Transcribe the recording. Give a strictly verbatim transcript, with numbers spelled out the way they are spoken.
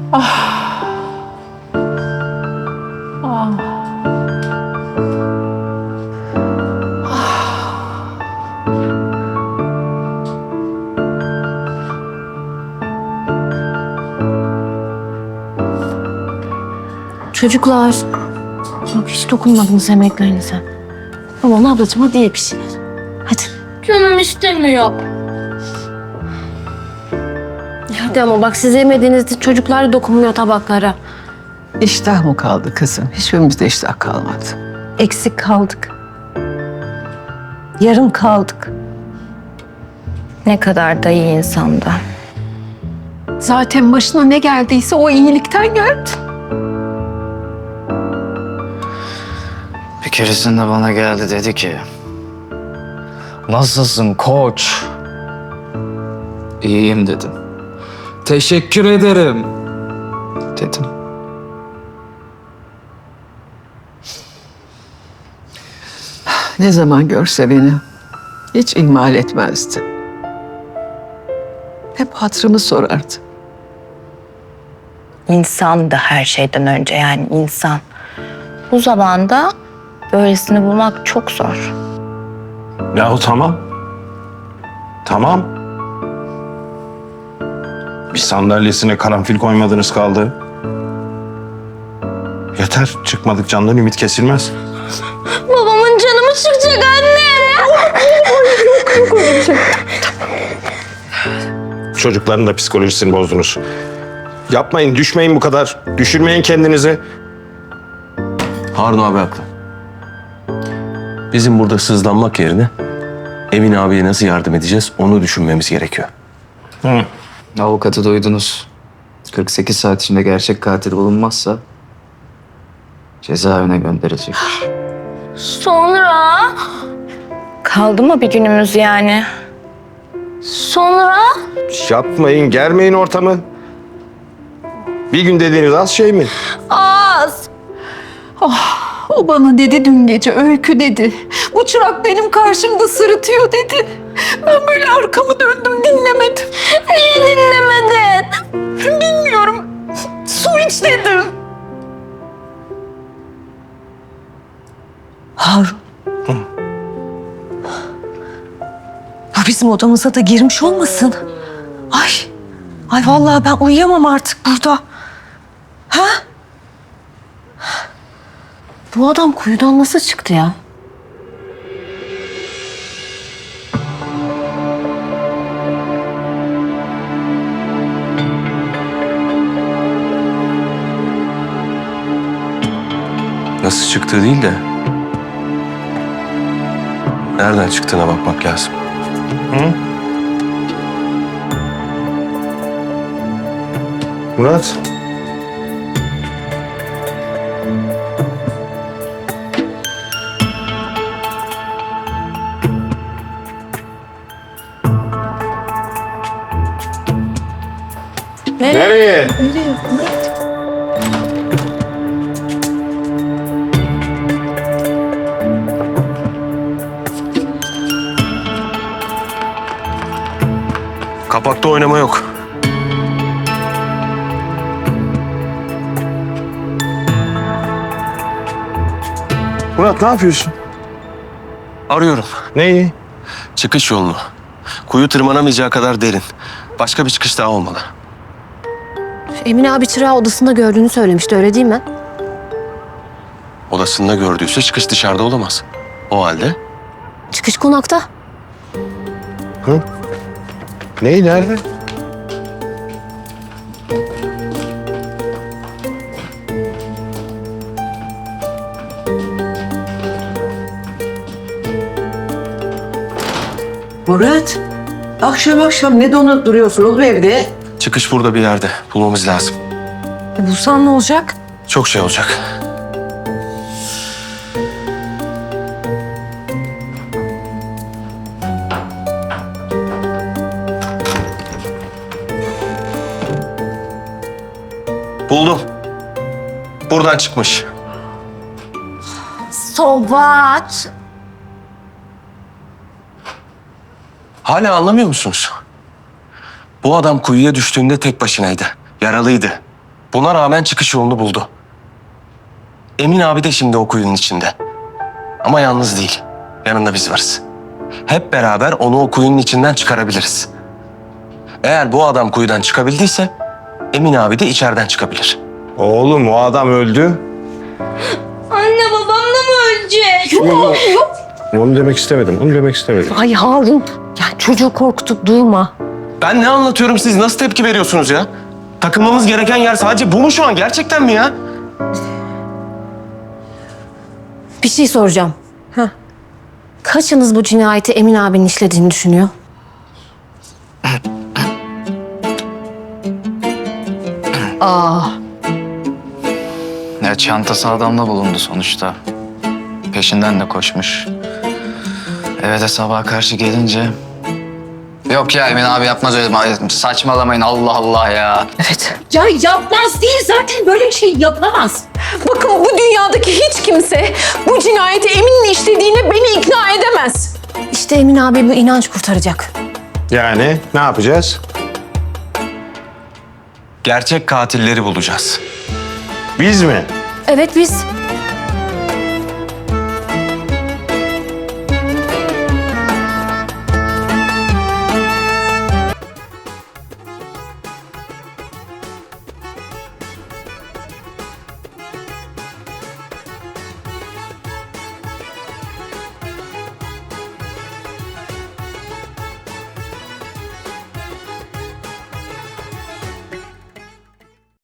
Ah. Ah. Çocuklar, bak hiç dokunmadınız emeklerinize. Aman ablacığım hadi ye bir şeyler. Hadi. Canım istemiyor. Hadi ama bak siz yemediğinizde çocuklar da dokunmuyor tabaklara. İştah mı kaldı kızım? Hiçbirimizde iştah kalmadı. Eksik kaldık. Yarım kaldık. Ne kadar da iyi insanda. Zaten başına ne geldiyse o iyilikten geldi. Bir keresinde bana geldi dedi ki... Nasılsın koç? İyiyim dedim. Teşekkür ederim dedim. Ne zaman görse beni hiç ihmal etmezdi. Hep hatırımı sorardı. İnsan da her şeyden önce yani insan. Bu zamanda böylesini bulmak çok zor. Yahu tamam. Tamam. Bir sandalyesine karanfil koymadınız kaldı. Yeter. Çıkmadık candan ümit kesilmez. Babamın canı mı çıkacak anne? Çocukların da psikolojisini bozdunuz. Yapmayın, düşmeyin bu kadar. Düşürmeyin kendinizi. Harun abi haklı. Bizim burada sızlanmak yerine Emin abiye nasıl yardım edeceğiz onu düşünmemiz gerekiyor. Hı. Avukatı duydunuz. kırk sekiz saat içinde gerçek katil bulunmazsa... cezaevine gönderilecek. Sonra? Kaldı mı bir günümüz yani? Sonra? Yapmayın, germeyin ortamı. Bir gün dediğiniz az şey mi? Az. O bana dedi dün gece, Öykü dedi. Bu çırak benim karşımda sırıtıyor dedi. Ben böyle arkamı döndüm, dinlemedim. Niye dinlemedin? Bilmiyorum. Su iç dedim. Harun. Ya bizim odamıza da girmiş olmasın? Ay. Ay vallahi ben uyuyamam artık burada. Ha? Bu adam kuyudan nasıl çıktı ya? Nasıl çıktığı değil de nereden çıktığına bakmak lazım. Hı? Murat. Nereye? Kapakta oynama yok. Murat ne yapıyorsun? Arıyorum. Neyi? Çıkış yolunu. Kuyu tırmanamayacağı kadar derin. Başka bir çıkış daha olmalı. Emin abi çırağı odasında gördüğünü söylemişti öyle değil mi? Odasında gördüyse çıkış dışarıda olamaz. O halde Çıkış konakta. Hı? Neyi, nerede? Murat, akşam akşam ne donup duruyorsun oğlum evde? çıkış burada bir yerde. Bulmamız lazım. E bulsan ne olacak? Çok şey olacak. Buldum. Buradan çıkmış. So what? Hala anlamıyor musunuz? Bu adam kuyuya düştüğünde tek başınaydı. Yaralıydı. Buna rağmen çıkış yolunu buldu. Emin abi de şimdi o kuyunun içinde. Ama yalnız değil. Yanında biz varız. Hep beraber onu o kuyunun içinden çıkarabiliriz. Eğer bu adam kuyudan çıkabildiyse Emin abi de içeriden çıkabilir. Oğlum o adam öldü. Anne babam da mı ölecek? Onu demek istemedim. Onu demek istemedim. Ay Harun. Ya çocuğu korkutup durma. Ben ne anlatıyorum, siz nasıl tepki veriyorsunuz ya? Takılmamız gereken yer sadece bu mu şu an? Gerçekten mi ya? Bir şey soracağım. Kaçınız bu cinayeti Emin abinin işlediğini düşünüyor? Aa, Ya çantası adamla bulundu sonuçta. Peşinden de koşmuş. Eve de sabaha karşı gelince... Yok ya Emin abi yapmaz öyle. Saçmalamayın Allah Allah ya. evet. Ya yapmaz değil, zaten böyle bir şey yapamaz. Bakın bu dünyadaki hiç kimse bu cinayeti Emin'in işlediğine beni ikna edemez. İşte Emin abi bu inanç kurtaracak. Yani ne yapacağız? Gerçek katilleri bulacağız. Biz mi? Evet biz.